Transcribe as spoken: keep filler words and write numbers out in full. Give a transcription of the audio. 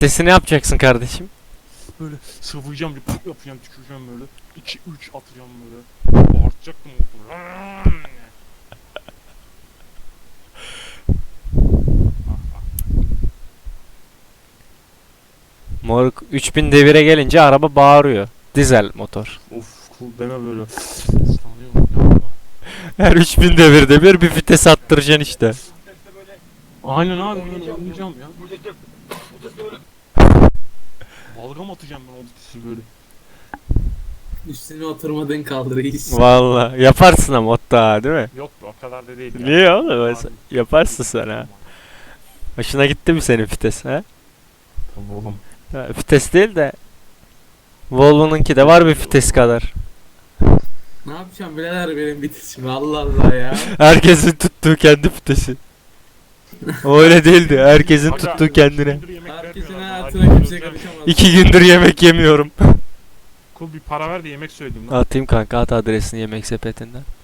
Sesini yapacaksın kardeşim. Böyle sıvayacağım, bir pıt yapacağım, tüküreceğim böyle. iki üç atacağım böyle. Bağırtacaktım motoru. Moruk üç bin devire gelince araba bağırıyor. Dizel motor. Of, cool deme böyle. Sanıyorum ya. Her üç bin devirde bir bir vites attıracaksın işte. Aynen abi, ben oynayacağım ya. Balgam atacağım ben o vitesi böyle. Üstüne oturmadığın kaldı reis. Valla yaparsın ama hatta değil mi? Yok be, o kadar da değil. ya. Niye oğlum? Abi, Yaparsın sen ha. Hoşuna gitti mi senin vites ha? Tabii oğlum. Ha, vites değil de Volvo'nunki de var bir vites kadar. Ne yapacağım birader benim bitişim Allah Allah ya. Herkesin tuttuğu kendi vitesi. O öyle değildi. Herkesin Aga, tuttuğu kendine. gündür yemek Herkesin vermiyorlar bana, hayatına hadi kimse söyleyeceğim. karışamaz. İki gündür yemek yemiyorum. Kul bir para ver de yemek söyleyeyim lan. Atayım kanka, at adresini yemek sepetinden.